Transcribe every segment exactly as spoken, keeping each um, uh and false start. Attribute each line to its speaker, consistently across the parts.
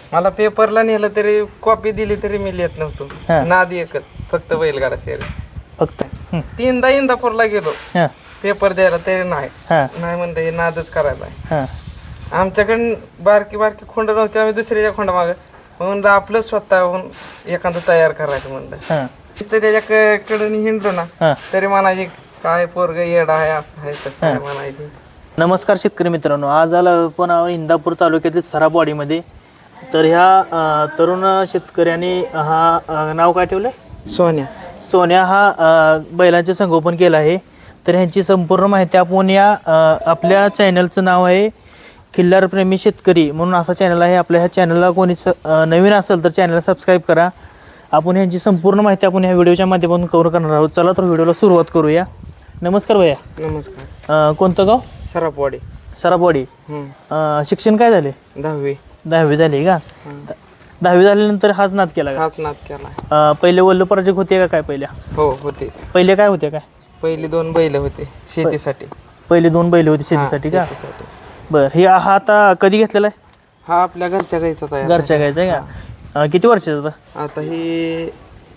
Speaker 1: मला पेपरला नेलं तरी कॉपी दिली तरी मी लिहित नव्हतो. नाद एकच फक्त बैलगाडा शर्यत.
Speaker 2: फक्त
Speaker 1: तीनदा इंदापूरला गेलो
Speaker 2: हां
Speaker 1: पेपर द्यायला तरी नाही
Speaker 2: हां
Speaker 1: नाही म्हणलं हे नादच करायला आहे.
Speaker 2: हां
Speaker 1: आमच्याकडे बारकी बारकी खोंड नव्हती, आम्ही दुसऱ्याच्या खोंड माग म्हणलं आपलं स्वतःहून एखादं तयार करायचं म्हणलं.
Speaker 2: हां
Speaker 1: नुसतं त्याच्याकडे हिंडलो ना
Speaker 2: हां
Speaker 1: तरी म्हणायचे काय पोरग येडा आहे असं आहे तसं आहे म्हणायचे.
Speaker 2: नमस्कार शेतकरी मित्रांनो, आज आला पण इंदापूर तालुक्यातील सराबवाडीमध्ये. तर ह्या अ, तरुण शेतकऱ्याने हा अ, नाव काय ठेवलं?
Speaker 1: सोन्या.
Speaker 2: सोन्या हा अ, बैलांचे संगोपन केलं आहे. तर ह्यांची संपूर्ण माहिती आपण या अ, आपल्या चॅनलचं नाव आहे खिल्लार प्रेमी शेतकरी म्हणून असा चॅनल आहे. आपल्या ह्या चॅनलला कोणी स अ, नवीन असेल तर चॅनलला सबस्क्राईब करा. आपण ह्यांची संपूर्ण माहिती आपण ह्या व्हिडिओच्या माध्यमातून कव्हर करणार आहोत. चला तर व्हिडिओला सुरुवात करूया. नमस्कार भैया.
Speaker 1: नमस्कार.
Speaker 2: अ, कोणतं गाव?
Speaker 1: सरापवाडी.
Speaker 2: सराबवाडी. अ, शिक्षण काय झाले?
Speaker 1: दहावी.
Speaker 2: दहावी झाली का? दहावी झाल्यानंतर हाच नाद केला का?
Speaker 1: हाच नाद केला.
Speaker 2: अ, पहिले वल्ल प्रोजेक्ट होते का काय पहिल्या?
Speaker 1: हो होते.
Speaker 2: पहिले काय होते काय?
Speaker 1: पहिली दोन बैल होते शेतीसाठी.
Speaker 2: पहिले दोन बैल होते शेतीसाठी का?
Speaker 1: शेतीसाठी.
Speaker 2: बरं, हे हा आता कधी घेतलेला आहे?
Speaker 1: हा आपल्या घरच्या गाईचा तयार.
Speaker 2: घरच्या गायचा आहे का? अ, किती वर्षाचा होता?
Speaker 1: आता ही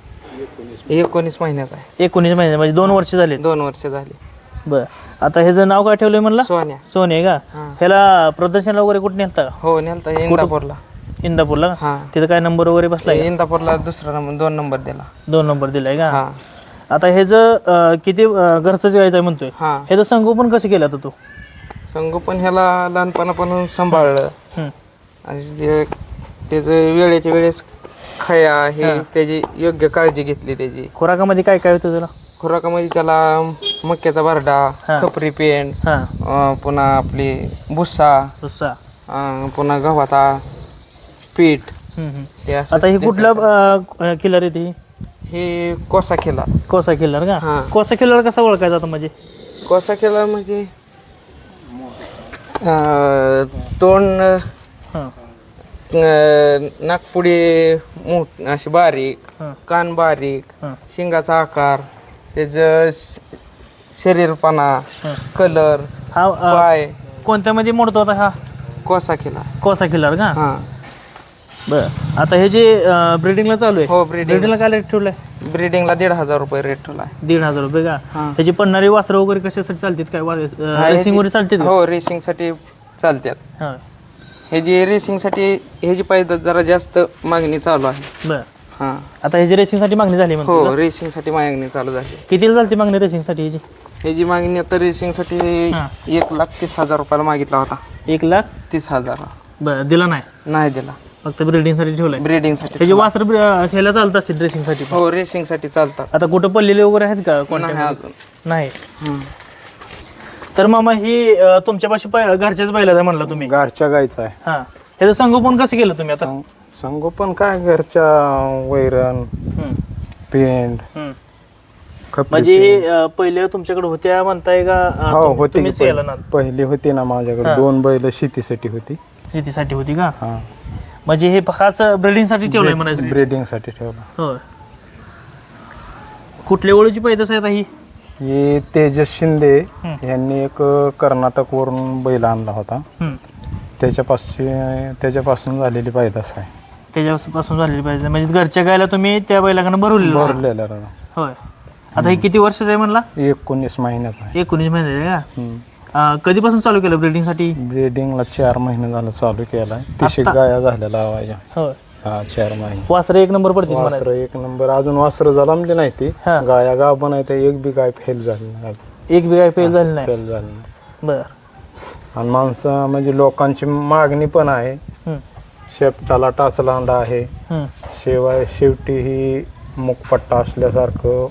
Speaker 1: एकोणीस महिन्यात आहे.
Speaker 2: एकोणीस महिने म्हणजे दोन वर्ष झाले.
Speaker 1: दोन वर्ष झाली.
Speaker 2: बरं, आता ह्याचं नाव काय ठेवलंय म्हणला?
Speaker 1: सोन्या.
Speaker 2: सोने का?
Speaker 1: हा.
Speaker 2: ह्याला प्रदर्शनला वगैरे कुठे नेलता का?
Speaker 1: हो नेलता इंदापूरला.
Speaker 2: इंदापूरला का?
Speaker 1: हा
Speaker 2: तिथं काय नंबर वगैरे बसलाय का?
Speaker 1: इंदापूरला दुसरा नंबर दोन नंबर दिला.
Speaker 2: दोन नंबर दिलाय का?
Speaker 1: हा
Speaker 2: आता ह्याचं अ, किती अ, घरचंच गायचं आहे म्हणतोय.
Speaker 1: हा
Speaker 2: ह्याचं संगोपन कसं केलं आता तू?
Speaker 1: संगोपन ह्याला लहानपणापासून सांभाळलं
Speaker 2: हं.
Speaker 1: आणि ते- त्याचं वेळेच्या वेळेस खया हे त्याची योग्य काळजी घेतली. त्याची
Speaker 2: खुराकामध्ये काय काय होतं तुला?
Speaker 1: खुराकामध्ये त्याला मक्याचा बारडा,
Speaker 2: हा.
Speaker 1: खपरी पेंड,
Speaker 2: हां
Speaker 1: अं, पुन्हा आपली भुस्सा,
Speaker 2: दुसरा.
Speaker 1: अं, पुन्हा गव्हाचा पीठ
Speaker 2: हं, हं.
Speaker 1: ते असं
Speaker 2: आता ही
Speaker 1: ते-
Speaker 2: कुठला किल्लर येते?
Speaker 1: हे कोसा केला.
Speaker 2: कोसा किल्लर का?
Speaker 1: हा.
Speaker 2: कोसा किल्लर कसा ओळखायचा आता म्हणजे?
Speaker 1: कोसा केला म्हणजे अं, तोंड
Speaker 2: हां
Speaker 1: अं, नाकपुडी मोठ अशी बारीक,
Speaker 2: हां
Speaker 1: कान बारीक,
Speaker 2: हां
Speaker 1: शिंगाचा आकार, त्याचं श- शरीरपणा,
Speaker 2: हां.
Speaker 1: कलर,
Speaker 2: हा अ,
Speaker 1: पाय,
Speaker 2: कोणत्यामध्ये मोडतो आता हा
Speaker 1: कोसा केला.
Speaker 2: कोसा किल्लर का?
Speaker 1: हा
Speaker 2: बरं, आता हे जे ब्रिडिंगला चालू आहे,
Speaker 1: हो ब्रीडिंग.
Speaker 2: ब्रिडिंगला काय रेट ठेवलाय?
Speaker 1: ब्रीडिंगला दीड हजार रुपये रेट ठेवला आहे.
Speaker 2: दीड हजार रुपये का?
Speaker 1: हा.
Speaker 2: ह्याची पडणारी वासरं वगैरे कशासाठी चालतात काय? रेसिंग वगैरे चालते का?
Speaker 1: हो रेसिंगसाठी चालतात.
Speaker 2: हां
Speaker 1: हे जी रेसिंगसाठी ह्याची पाहिजे जरा जास्त मागणी चालू आहे.
Speaker 2: बरं,
Speaker 1: हा
Speaker 2: आता ह्याची रेसिंगसाठी मागणी झाली म्हणतो
Speaker 1: हो रेसिंगसाठी मागणी चालू झाली.
Speaker 2: कितीला चालते मागणी रेसिंगसाठी ह्याची?
Speaker 1: ह्याची मागणी आता रेसिंगसाठी
Speaker 2: हा.
Speaker 1: एक लाख तीस हजार रुपयाला मागितला होता.
Speaker 2: एक लाख
Speaker 1: तीस हजार
Speaker 2: बरं दिला नाही,
Speaker 1: नाही दिला.
Speaker 2: फक्त ब्रिडिंगसाठी ठेवलाय.
Speaker 1: ब्रीडिंगसाठी.
Speaker 2: त्याची वासर ह्याला चालत असतील रेसिंगसाठी.
Speaker 1: हो रेसिंगसाठी चालतात.
Speaker 2: आता कुठं पडलेले वगैरे आहेत का
Speaker 1: नाही
Speaker 2: कोणत्या?
Speaker 1: अजून.
Speaker 2: नाही.
Speaker 1: हम्म.
Speaker 2: तर मामा ही अ, तुमच्यापाशी पै- घरच्याच बैलाचा म्हणला तुम्ही.
Speaker 3: घरच्या गायचा आहे.
Speaker 2: हां, ह्याचं संगोपन कसं केलं तुम्ही आता?
Speaker 3: सं- संगोपन काय घरच्या वैरण,
Speaker 2: हं,
Speaker 3: पेंड,
Speaker 2: हं.
Speaker 3: खपली
Speaker 2: म्हणजे
Speaker 3: पेंड.
Speaker 2: अ, पहिले तुमच्याकडे होत्या म्हणताय का? अ,
Speaker 3: हो
Speaker 2: तुम्ही-
Speaker 3: होती
Speaker 2: तुम्हीच
Speaker 3: की
Speaker 2: केलं ना?
Speaker 3: पहिले पहिली होती ना माझ्याकडे
Speaker 2: हा.
Speaker 3: दोन बैल शेतीसाठी होती.
Speaker 2: शेतीसाठी होती का?
Speaker 3: हा
Speaker 2: म्हणजे हे खास ब्रिडिंगसाठी ठेवलंय म्हणायचं?
Speaker 3: ब्रीडिंगसाठी ठेवला.
Speaker 2: होय. कुठल्या ओळीची पैदास आहे आता ही?
Speaker 3: हे तेजस शिंदे
Speaker 2: हं.
Speaker 3: यांनी एक कर्नाटक वरून बैल आणला होता.
Speaker 2: हं.
Speaker 3: त्याच्यापासून त्याच्यापासून झालेली पैदास आहे.
Speaker 2: त्याच्यापासून झालेली पाहिजे म्हणजे घरच्या गायला तुम्ही त्या बैलाकडनं भरवलेलं होतं?
Speaker 3: भरलेला राव.
Speaker 2: होय. आता हे किती वर्षाचं आहे म्हणला?
Speaker 3: एकोणीस महिन्याचा आहे.
Speaker 2: एकोणीस महिन्याचं आहे
Speaker 3: हं.
Speaker 2: का? अ, कधीपासून चालू केलं ब्रिडिंगसाठी?
Speaker 3: ब्रीडिंगला चार महिने झालं चालू केलाय. तिशी
Speaker 2: आत्ता?
Speaker 3: गाया झाल्या लावायच्या.
Speaker 2: होय.
Speaker 3: हा चार महिने.
Speaker 2: वासरं एक नंबर पडतील म्हणायचं.
Speaker 3: वासरं एक नंबर. अजून वासरं जलमली नाही ती.
Speaker 2: हा.
Speaker 3: गाया गाव पण आहे ते एक बी गाय फेल झाली नाही.
Speaker 2: एक बी काय फेल झाली नाही?
Speaker 3: फेल झाली नाही.
Speaker 2: बरं.
Speaker 3: आणि माणसं म्हणजे लोकांची मागणी पण आहे.
Speaker 2: हं,
Speaker 3: शेपटाला टाचलांडा आहे.
Speaker 2: हं.
Speaker 3: शिवाय शेवटी ही मुखपट्टा असल्यासारखं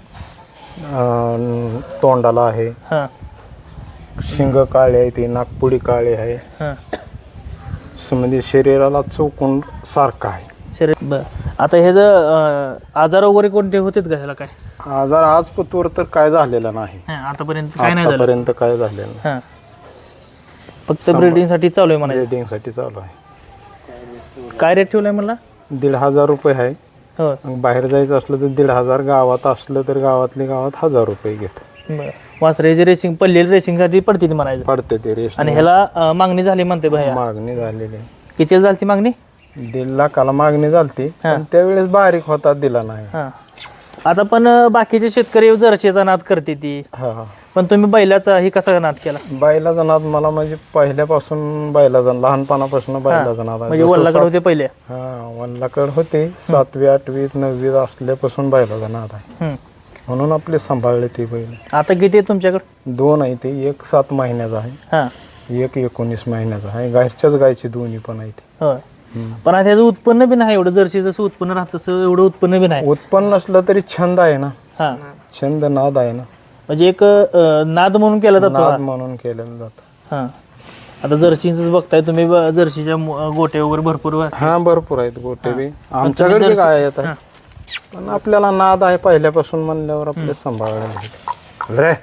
Speaker 3: अं, तोंडाला आहे.
Speaker 2: हां,
Speaker 3: शिंग काळे आहे, ती नागपुडी काळी आहे.
Speaker 2: हां.
Speaker 3: असं म्हणजे शरीराला चौकून सारखं आहे.
Speaker 2: शरीर बरं. आता हे जर आजार वगैरे कोणते होतेत का ह्याला काय?
Speaker 3: आजार आज पतूर तर काय झालेला नाही.
Speaker 2: हां, आतापर्यंत काय नाही झालं?
Speaker 3: आतापर्यंत काय झालेलं नाही.
Speaker 2: हां, फक्त ब्रिडिंगसाठी चालू आहे म्हणायचं.
Speaker 3: ब्रीडिंगसाठी चालू आहे.
Speaker 2: काय रेट ठेवलाय मला?
Speaker 3: दीड हजार रुपये आहे.
Speaker 2: हो.
Speaker 3: मग बाहेर जायचं असलं तर दीड हजार, गावात असलं तर गावातली गावात हजार रुपये घेत
Speaker 2: बरं. वासरेची रेसिंग पडलेली रेसिंगसाठी पडते ती म्हणायचं.
Speaker 3: पडते ते रेस.
Speaker 2: आणि ह्याला अ, मागणी झाली म्हणते भैया.
Speaker 3: मागणी झालेली आहे.
Speaker 2: कितीला झाली ती मागणी?
Speaker 3: दीड लाखाला मागणी झालती पण त्यावेळेस बारीक होता दिला नाही.
Speaker 2: हां आता पण अं, बाकीचे शेतकरी जर्शीचा नाद करते ती,
Speaker 3: हा
Speaker 2: पण तुम्ही बैलाचा ही कसा नाद केला?
Speaker 3: बैलाचा नाद मला म्हणजे पहिल्यापासून बैलाचा लहानपणापासून बैलाचा नाद आहे.
Speaker 2: म्हणजे वल्लाकडे होते पहिले.
Speaker 3: हा वल्लाकड होते सातवी आठवी नववी असल्यापासून बैलाचा नाद आहे
Speaker 2: हम्म.
Speaker 3: म्हणून आपले सांभाळले ते बैल.
Speaker 2: आता किती आहे तुमच्याकडे?
Speaker 3: दोन आहे ते, एक सात महिन्याचा आहे
Speaker 2: हां
Speaker 3: एक एकोणीस महिन्याचा आहे. घरच्याच गायचे दोन्ही पण आहे ते.
Speaker 2: होय. पण आता त्याचं उत्पन्न बी नाही एवढं, जर्सी जसं उत्पन्न राहतं तसं एवढं उत्पन्न बी नाही.
Speaker 3: उत्पन्न नसलं तरी छंद आहे ना,
Speaker 2: हां
Speaker 3: छंद नाद आहे ना,
Speaker 2: म्हणजे एक अं, नाद म्हणून केला जातो
Speaker 3: नाद
Speaker 2: हा.
Speaker 3: म्हणून केलेलं जातं.
Speaker 2: हां आता जर्सीच बघताय तुम्ही, ब- जर्सीच्या मु- गोटे वगैरे भरपूर असतात.
Speaker 3: हा भरपूर आहेत गोटे बी आमच्याकडे बी काय येत आहे पण आपल्याला नाद आहे पहिल्यापासून म्हणल्यावर आपले सांभाळायला रे.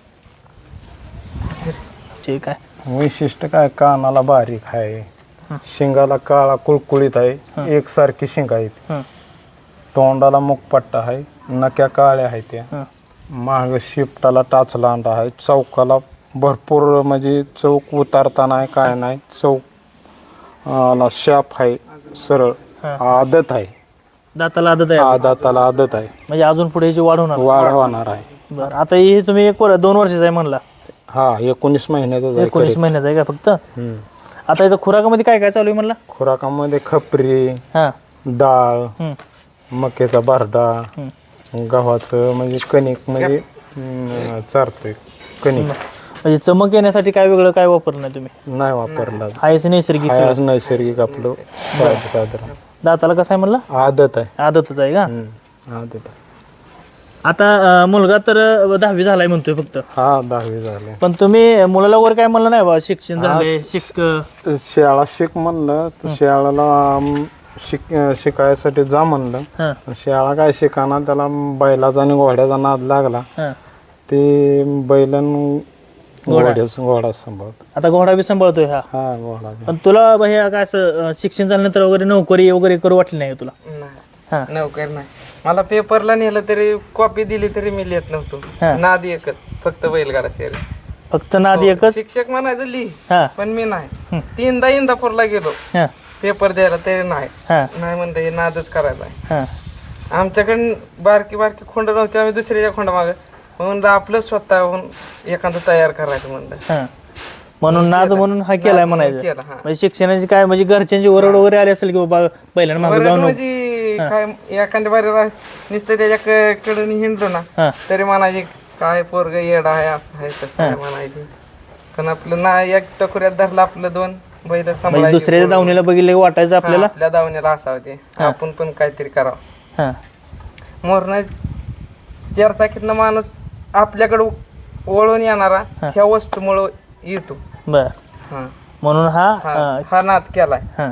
Speaker 2: ठीक आहे.
Speaker 3: वैशिष्ट्य काय, कानाला बारीक आहे, शिंगाला काळा कुळकुळीत आहे, एकसारखी शिंग आहेत,
Speaker 2: हं,
Speaker 3: तोंडाला मुखपट्टा आहे, नक्या काळ्या आहेत त्या,
Speaker 2: हं.
Speaker 3: माग शिपटाला टाच लांडा आहे, चौकाला भरपूर म्हणजे चौक उतारता नाही काय नाही, चौक ला शाप आहे, सरळ आदत आहे,
Speaker 2: दाताला आदत आहे
Speaker 3: आदाताला आदत आहे,
Speaker 2: म्हणजे अजून पुढे याची वाढ होणार.
Speaker 3: वाढ होणार आहे.
Speaker 2: बरं आता हे तुम्ही एक वर- दोन वर्षाचा आहे म्हणला,
Speaker 3: हा एकोणीस महिन्याचा
Speaker 2: एकोणीस महिन्याचा आहे का फक्त?
Speaker 3: हम्म.
Speaker 2: आता याचा खुराकामध्ये काय काय चालू आहे म्हणला?
Speaker 3: खुराकामध्ये खपरी,
Speaker 2: हां
Speaker 3: डाळ,
Speaker 2: हं,
Speaker 3: मक्याचा बारडा,
Speaker 2: हं.
Speaker 3: गव्हाचं म्हणजे कणिक म्हणजे अं, चारतोय कणिक.
Speaker 2: म्हणजे चमक येण्यासाठी काय वेगळं काय वापरलं नाही तुम्ही?
Speaker 3: नाही वापरला,
Speaker 2: हायच नैसर्गिक
Speaker 3: हाय
Speaker 2: सगळं.
Speaker 3: आज नैसर्गिक आपलं साधं साधं
Speaker 2: दाताला कसं आहे म्हणला?
Speaker 3: आदत आहे.
Speaker 2: आदतच आहे का?
Speaker 3: हम्म, आदत आहे.
Speaker 2: आता अं, मुलगा तर अं, दहावी झालाय म्हणतोय फक्त,
Speaker 3: हा दहावी झाले.
Speaker 2: पण तुम्ही मुलाला वर काय म्हणलं नाही बा शिक्षण झाले शिक
Speaker 3: शाळा शिक म्हणलं तर शाळेला अं, शिक शिकायसाठी जा म्हणलं,
Speaker 2: हां
Speaker 3: पण शाळा काय शिकाना, त्याला बैलाचा आणि घोड्याचा नाद लागला,
Speaker 2: हां
Speaker 3: ते बैलन घोड्याच घोडा सांभाळत.
Speaker 2: आता घोडा बी सांभाळतोय हा.
Speaker 3: हा घोडा बी.
Speaker 2: पण तुला बा हे काय असं अं, शिक्षण झाल्यानंतर वगैरे नोकरी वगैरे करू वाटली नाही का तुला? हां
Speaker 1: नाही नोकर नाही. मला पेपरला नेलं तरी कॉपी दिली तरी मी लिहित नव्हतो.
Speaker 2: हा.
Speaker 1: नाद एकच, फक्त बैलगाडा शेर.
Speaker 2: फक्त नाद एकच?
Speaker 1: शिक्षक म्हणायचं लिही,
Speaker 2: हां
Speaker 1: पण मी नाही. तीनदा इंदापूरला गेलो
Speaker 2: हां
Speaker 1: पेपर द्यायला तरी नाही
Speaker 2: हां
Speaker 1: नाही म्हणलं हे नादच करायला आहे.
Speaker 2: हां
Speaker 1: आमच्याकडे बारकी बारकी खोंड नव्हती, आम्ही दुसऱ्याच्या खोंडा माग म्हणून आपलं स्वतःहून एखादं तयार करायचं म्हणलं.
Speaker 2: हां म्हणून नाद म्हणून हा केलाय म्हणायचं.
Speaker 1: केला, हां.
Speaker 2: म्हणजे शिक्षणाची काय म्हणजे घरच्यांची ओरड वगैरे आली असेल की बाबा पहिल्यांदा मागे जाऊन
Speaker 1: म्हणजे काय एखाद्या बारी नुसतं त्याच्याकडे हिंडलो ना
Speaker 2: हां
Speaker 1: तरी म्हणायचे काय पोरग येडा आहे असं आहे तसं आहे म्हणायचे. पण आपलं ना एक टकुऱ्यात धरलं आपलं दोन बैल
Speaker 2: म्हणजे
Speaker 1: सांभाळायचे.
Speaker 2: दुसऱ्याच्या दावणीला बघितलं की वाटायचं आपल्याला.
Speaker 1: हां, आपल्या दावणीला असावं ते, आपण पण काहीतरी करावं.
Speaker 2: हां
Speaker 1: मोरण चार चाकीतनं माणूस आपल्याकडे वळून येणारा ह्या वस्तूमुळं येतो.
Speaker 2: बर
Speaker 1: हा
Speaker 2: म्हणून हा
Speaker 1: हा
Speaker 2: अं,
Speaker 1: हा नाद केलाय.
Speaker 2: हां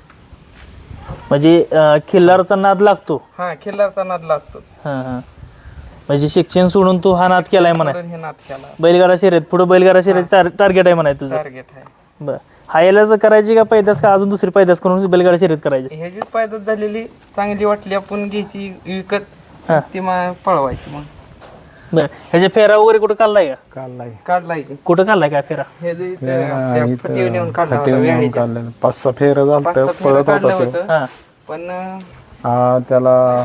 Speaker 2: म्हणजे अं, खिल्लारचा नाद लागतो.
Speaker 1: हा खिल्लारचा नाद लागतोच.
Speaker 2: हां हां म्हणजे शिक्षण सोडून तू हा नाद केलाय म्हणाय.
Speaker 1: म्हणून हे नाद केला.
Speaker 2: बैलगाडा शर्यत पुढे बैलगाडा शर्यत टार्गेट आहे म्हणाय तुझं.
Speaker 1: टार्गेट आहे.
Speaker 2: बर हा याला करायची का पैदास का अजून दुसरी पैदास करून बैलगाडा शर्यत करायची?
Speaker 1: ह्याचीच पायदास झालेली चांगली वाटली आपण घ्यायची विकत,
Speaker 2: हा.
Speaker 1: ती मग पळवायची. मग
Speaker 2: बर ह्याच्या फेरा वगैरे कुठं काढलाय का?
Speaker 3: काढलाय
Speaker 1: काढलाय की
Speaker 2: कुठं काढलाय काय फेरा?
Speaker 1: हे जे इथं त्या फटीवर नेऊन काढला होता
Speaker 3: नेऊन
Speaker 1: वेळेच्या.
Speaker 3: काढलेलं पाच सहा फेर झालं
Speaker 1: पाच सहा फेरं
Speaker 3: पळत
Speaker 1: काढलं
Speaker 3: होता तो.
Speaker 1: होतं.
Speaker 2: हां
Speaker 1: पण अं,
Speaker 3: हा त्याला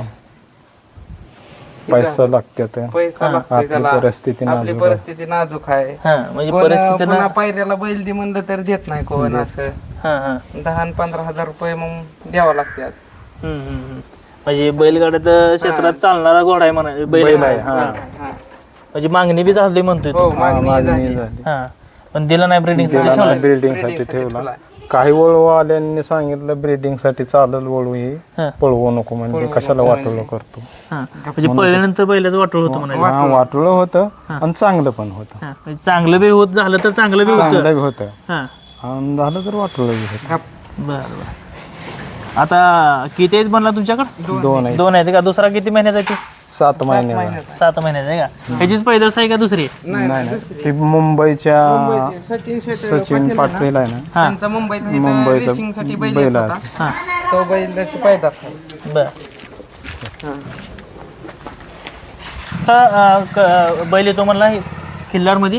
Speaker 3: पैसा लागतात.
Speaker 1: पैसा लागतोय
Speaker 3: आपली
Speaker 1: त्याला.
Speaker 3: परिस्थिती
Speaker 1: आपली
Speaker 3: नाजूक आहे.
Speaker 1: परिस्थिती नाजूक आहे.
Speaker 2: हां म्हणजे
Speaker 1: कोण
Speaker 2: परिस्थिती ना.
Speaker 1: पुन्हा पायऱ्याला बैल दे म्हणलं तर देत नाही कोण. असं
Speaker 2: हां हां
Speaker 1: दहा आणि पंधरा हजार रुपये मग द्यावं लागतात.
Speaker 2: हम्म, हम्म, हम्म. म्हणजे बैलगाड्यात क्षेत्रात चालणारा घोडा आहे म्हणा बैल
Speaker 3: बैल आहे,
Speaker 2: आहे.
Speaker 3: हा.
Speaker 1: हा.
Speaker 2: म्हणजे मागणी बी झाली म्हणतोय
Speaker 1: हो
Speaker 2: तू.
Speaker 1: मागणी
Speaker 3: मागणी
Speaker 1: झाली.
Speaker 3: झाली.
Speaker 2: हा पण दिला नाही ब्रिडिंग
Speaker 3: त्याला
Speaker 2: ठेवला.
Speaker 3: ब्रीडिंग साठी ठेवला. काही वळूवाल्यांनी सांगितलं ब्रीडिंग साठी चालल वळू हे
Speaker 2: हा.
Speaker 3: पळवू नको म्हणजे कशाला वाटोळं करतो.
Speaker 2: हा म्हणजे पळल्यानंतर बैलाचं वाटोळ होतं म्हणायचं.
Speaker 3: हा वाटोळं होतं आणि चांगलं पण होतं.
Speaker 2: हा म्हणजे चांगलं बी होत झालं तर चांगलं बी होतं.
Speaker 3: चांगलं बी होतं
Speaker 2: हा
Speaker 3: आणि झालं तर वाटोळं बी होतं.
Speaker 2: बरं बरं आता किती आहेत म्हणला तुमच्याकडे?
Speaker 3: दोन आहे.
Speaker 2: दोन आहेत का? दुसरा किती महिन्याचा आहे?
Speaker 3: सात महिन्याचा.
Speaker 2: सात महिन्याचा आहे का? ह्याचीच पैदास आहे का दुसरी?
Speaker 3: नाही नाही ही मुंबईच्या
Speaker 1: सचिन शेट
Speaker 3: सचिन पाटील आहे ना,
Speaker 1: त्यांचा मुंबईचा इथं
Speaker 3: मुंबईचा
Speaker 1: रेसिंगसाठी बैल
Speaker 3: बैल
Speaker 1: येत
Speaker 3: आहे.
Speaker 1: होता.
Speaker 2: हा
Speaker 1: तो बैलाची पैदास आहे.
Speaker 2: बर आता क- बैल येतो म्हणला किल्लार मध्ये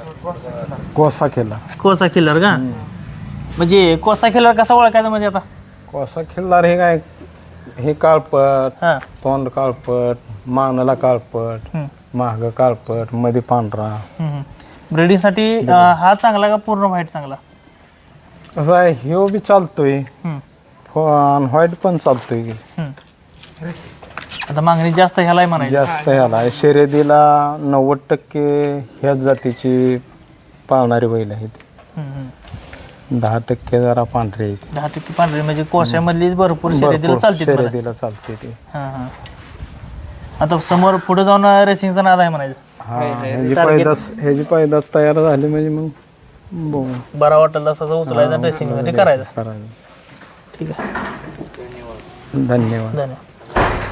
Speaker 3: कोसा केला.
Speaker 2: कोसा किल्लार का? म्हणजे कोसा किल्लार कसा ओळखायचा म्हणजे आता?
Speaker 3: कोसा खिल्लार हे काय हे काळपट,
Speaker 2: हां
Speaker 3: तोंड काळपट, मानाला काळपट, माग काळपट, मध्ये पांढरा.
Speaker 2: ब्रिडिंगसाठी हा चांगला का पूर्ण व्हाईट चांगला?
Speaker 3: कसं आहे ह्यो बी चालतोय,
Speaker 2: हम्म,
Speaker 3: व्हाईट पण चालतोय की.
Speaker 2: हम्म. आता मागणी जास्त ह्यालाही म्हणायची.
Speaker 3: जास्त ह्याला आहे. शर्यतीला नव्वद टक्के ह्याच जातीची पाळणारी बैल आहेत.
Speaker 2: हम्म, हम्म.
Speaker 3: दहा टक्के जरा पांढरे आहेत.
Speaker 2: दहा टक्के पांढरी म्हणजे कोशामधली भरपूर शर्यतीला
Speaker 3: भरपूर
Speaker 2: चालते मला.
Speaker 3: शर्यतीला चालते ते.
Speaker 2: हां हां. आता समोर पुढे जाऊन रेसिंगचा नाद आहे म्हणायचं.
Speaker 3: हा ह्याची पैदास ह्याची पैदास तयार झाली म्हणजे मग बघू.
Speaker 2: बरा वाटेल तसा उचलायचा ड्रेसिंग मध्ये करायचा.
Speaker 3: करायचं.
Speaker 2: ठीक आहे,
Speaker 3: धन्यवाद.
Speaker 2: धन्यवाद.